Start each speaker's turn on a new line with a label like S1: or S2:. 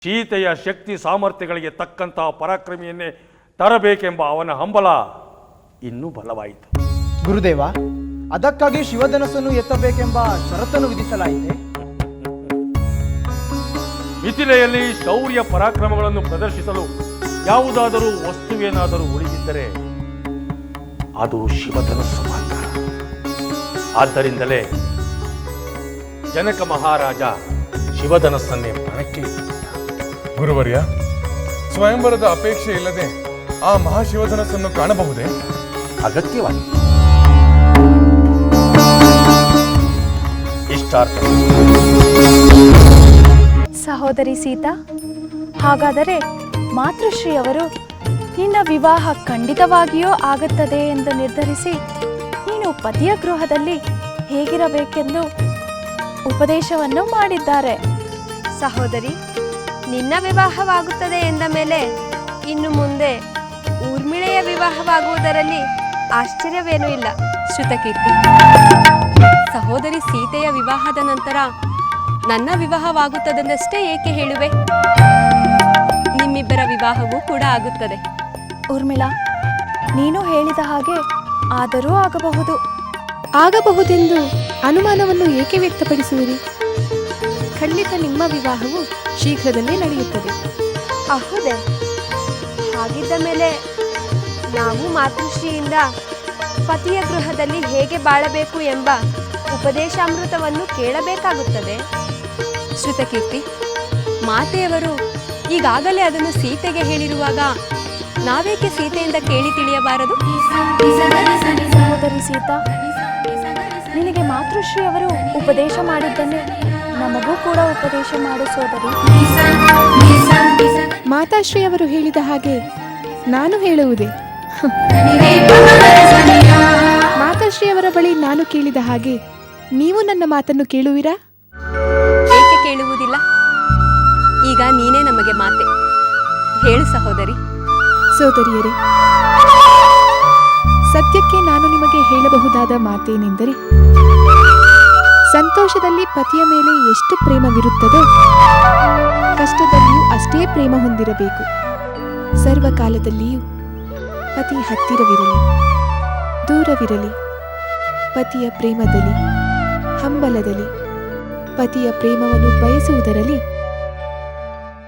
S1: ಸೀತೆಯ ಶಕ್ತಿ ಸಾಮರ್ಥ್ಯಗಳಿಗೆ ತಕ್ಕಂತಹ ಪರಾಕ್ರಮಿಯನ್ನೇ ತರಬೇಕೆಂಬ ಅವನ ಹಂಬಲ ಇನ್ನೂ ಬಲವಾಯಿತು.
S2: ಗುರುದೇವ, ಅದಕ್ಕಾಗಿ ಶಿವಧನಸ್ಸನ್ನು ಎತ್ತಬೇಕೆಂಬ ಷರತ್ತನ್ನು ವಿಧಿಸಲಾಯಿತೆ.
S1: ಮಿಥಿಲೆಯಲ್ಲಿ ಶೌರ್ಯ ಪರಾಕ್ರಮಗಳನ್ನು ಪ್ರದರ್ಶಿಸಲು ಯಾವುದಾದರೂ ವಸ್ತುವೇನಾದರೂ ಉಳಿದಿದ್ದರೆ ಅದು ಶಿವಧನಸ್ಸು ಮಾತ್ರ. ಆದ್ದರಿಂದಲೇ ಜನಕ ಮಹಾರಾಜ ಶಿವಧನಸ್ಸನ್ನೇ ಪಣಕ್ಕೆ ಇಟ್ಟಿದ್ದ.
S3: ಗುರುವರ್ಯ, ಸ್ವಯಂವರದ ಅಪೇಕ್ಷೆ ಇಲ್ಲದೆ ಆ ಮಹಾಶಿವಧನಸ್ಸನ್ನು ಕಾಣಬಹುದೇ?
S1: ಅಗತ್ಯವಾಗಿ ಇಷ್ಟಾರ್ಥ.
S4: ಸಹೋದರಿ ಸೀತಾ, ಹಾಗಾದರೆ ಮಾತೃಶ್ರೀಯವರು ನಿನ್ನ ವಿವಾಹ ಖಂಡಿತವಾಗಿಯೂ ಆಗುತ್ತದೆ ಎಂದು ನಿರ್ಧರಿಸಿ ನೀನು ಪತಿಯ ಗೃಹದಲ್ಲಿ ಹೇಗಿರಬೇಕೆಂದು ಉಪದೇಶವನ್ನು ಮಾಡಿದ್ದಾರೆ.
S5: ಸಹೋದರಿ, ನಿನ್ನ ವಿವಾಹವಾಗುತ್ತದೆ ಎಂದ ಮೇಲೆ ಇನ್ನು ಮುಂದೆ ಊರ್ಮಿಳೆಯ ವಿವಾಹವಾಗುವುದರಲ್ಲಿ ಆಶ್ಚರ್ಯವೇನೂ ಇಲ್ಲ.
S6: ಶ್ರುತಕೀರ್ತಿ, ಸಹೋದರಿ ಸೀತೆಯ ವಿವಾಹದ ನಂತರ ನನ್ನ ವಿವಾಹವಾಗುತ್ತದೆಂದಷ್ಟೇ ಏಕೆ ಹೇಳುವೆ? ನಿಮ್ಮಿಬ್ಬರ ವಿವಾಹವೂ ಕೂಡ ಆಗುತ್ತದೆ.
S4: ಊರ್ಮಿಳಾ, ನೀನು ಹೇಳಿದ ಹಾಗೆ ಆದರೂ ಆಗಬಹುದು.
S7: ಆಗಬಹುದೆಂದು ಅನುಮಾನವನ್ನು ಏಕೆ ವ್ಯಕ್ತಪಡಿಸುವಿರಿ? ಖಂಡಿತ ನಿಮ್ಮ ವಿವಾಹವು ಶೀಘ್ರದಲ್ಲೇ ನಡೆಯುತ್ತದೆ.
S5: ಹೌದೇ? ಹಾಗಿದ್ದ ಮೇಲೆ ನಾವು ಮಾತೃಶ್ರೀಯಿಂದ ಪತಿಯ ಗೃಹದಲ್ಲಿ ಹೇಗೆ ಬಾಳಬೇಕು ಎಂಬ ಉಪದೇಶಾಮೃತವನ್ನು ಕೇಳಬೇಕಾಗುತ್ತದೆ.
S6: ಶ್ರುತಕೀರ್ತಿ, ಮಾತೆಯವರು ಈಗಾಗಲೇ ಅದನ್ನು ಸೀತೆಗೆ ಹೇಳಿರುವಾಗ ನಾವೇಕೆ ಸೀತೆಯಿಂದ ಕೇಳಿ ತಿಳಿಯಬಾರದು?
S4: ಸಹೋದರಿ ಸೀತಾ, ನಿನಗೆ ಮಾತೃಶ್ರೀಯವರು ಉಪದೇಶ ಮಾಡಿದ್ದನ್ನೇ ನಮಗೂ ಕೂಡ ಉಪದೇಶ ಮಾಡು ಸೋದರಿ.
S7: ಮಾತಾಶ್ರೀ ಅವರು ಹೇಳಿದ ಹಾಗೆ ನಾನು ಹೇಳುವುದೇ? ಮಾತಾಶ್ರೀ ಅವರ ಬಳಿ ನಾನು ಕೇಳಿದ ಹಾಗೆ ನೀವು ನನ್ನ ಮಾತನ್ನು ಕೇಳುವಿರಾ?
S6: ಏಕೆ ಕೇಳುವುದಿಲ್ಲ? ಈಗ ನೀನೇ ನಮಗೆ ಮಾತೆ ಹೇಳು ಸಹೋದರಿ.
S7: ಸೋದರಿಯರೇ, ಸದ್ಯಕ್ಕೆ ನಾನು ನಿಮಗೆ ಹೇಳಬಹುದಾದ ಮಾತೇನೆಂದರೆ, ಸಂತೋಷದಲ್ಲಿ ಪತಿಯ ಮೇಲೆ ಎಷ್ಟು ಪ್ರೇಮವಿರುತ್ತದೋ ಕಷ್ಟದಲ್ಲಿಯೂ ಅಷ್ಟೇ ಪ್ರೇಮ ಹೊಂದಿರಬೇಕು. ಸರ್ವಕಾಲದಲ್ಲಿಯೂ ಪತಿ ಹತ್ತಿರವಿರಲಿ, ದೂರವಿರಲಿ, ಪತಿಯ ಪ್ರೇಮದಲ್ಲಿ, ಹಂಬಲದಲ್ಲಿ, ಪತಿಯ ಪ್ರೇಮವನ್ನು ಬಯಸುವುದರಲ್ಲಿ